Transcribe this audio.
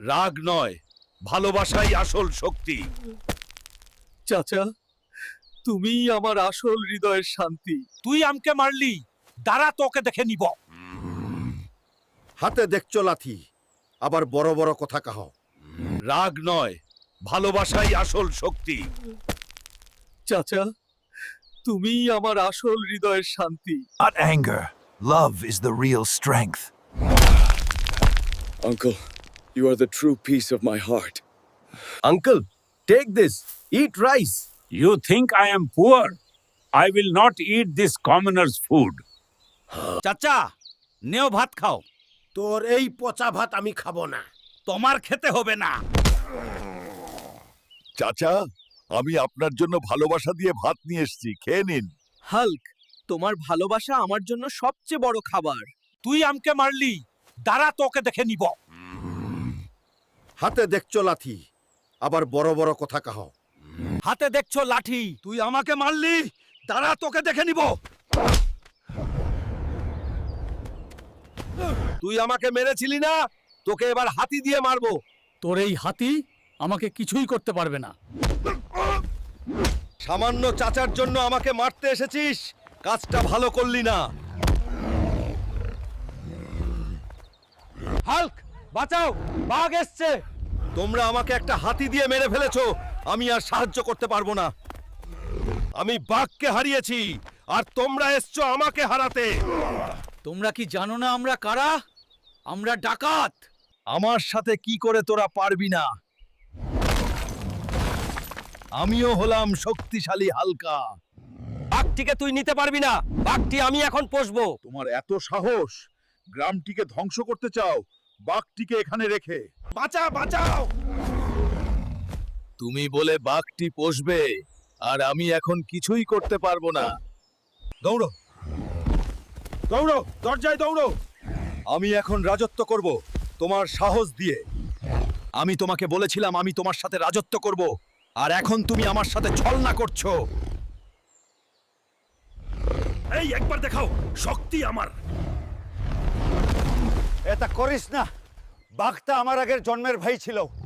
রাগ নয়, ভালোবাসাই আসল শক্তি। চাচা, তুমিই আমার আসল হৃদয়ের শান্তি। তুই আমকে মারলি, দাঁড়া তোকে দেখে নিব। হাতে দেখছো লাথি, আবার বড় বড় কথা কাহ। রাগ নয়, ভালোবাসাই আসল শক্তি। চাচা, তুমিই আমার আসল হৃদয়ের শান্তি। Not anger. Love is the real strength. Uncle, you are the true peace of my heart. Uncle, take this. Eat rice. You think I am poor? I will not eat this commoner's food. চাচা, নেও ভাত খাও। তোর এই পচা ভাত আমি খাবো না। তোমার খেতে হবে না। চাচা, আমি আপনার জন্য ভালোবাসা দিয়ে ভাত নিয়ে এসেছি, খেয়ে নিন। হাল্ক, তোমার ভালোবাসা আমার জন্য সবচেয়ে বড় খাবার। তুই আমকে মারলি, দাঁড়া তোকে দেখে নিব। হাতে দেখছো লাথি, আবার বড় বড় কথা কাহ। হাতে দেখছো লাঠি, তুই আমাকে মারলি, দাঁড়া তোকে দেখে নিব। তুই আমাকে মেরেছিলি না, তোকে এবার হাতি দিয়ে মারবো। তোর এই হাতি আমাকে কিছুই করতে পারবে না। সামান্য চাচার জন্য আমাকে মারতে এসেছিস, কাজটা ভালো করলি না। হাল্ক, বাঁচাও, বাঘ এসছে। তোমরা আমাকে একটা হাতি দিয়ে মেরে ফেলেছো, আমি আর সাহায্য করতে পারবো না। আমি বাঘকে হারিয়েছি, আর তোমরা এসছো আমাকে হারাতে। তোমরা কি জানো না আমরা কারা? আমরা ডাকাত। আমার সাথে কি করে তোরা পারবি না? আমিও হলাম শক্তিশালী হালকা। বাঘটিকে তুই নিতে পারবি না, বাঘটি আমি এখন পোষবো। তোমার এত সাহস, গ্রামটিকে ধ্বংস করতে চাও, বাঘটিকে এখানে রেখে। বাঁচা, বাঁচাও! তুমি বলে বাঘটি পোষবে, আর আমি এখন কিছুই করতে পারবো না। দৌড়ো, দৌড়ো, দরজায় দৌড়ো। আমি এখন রাজত্ব করব তোমার সাহস দিয়ে। আমি তোমাকে বলেছিলাম আমি তোমার সাথে রাজত্ব করব, আর এখন তুমি আমার সাথে ছলনা করছো। এই একবার দেখাও শক্তি আমার। এটা করিস না, বাঘটা আমার আগের জন্মের ভাই ছিল।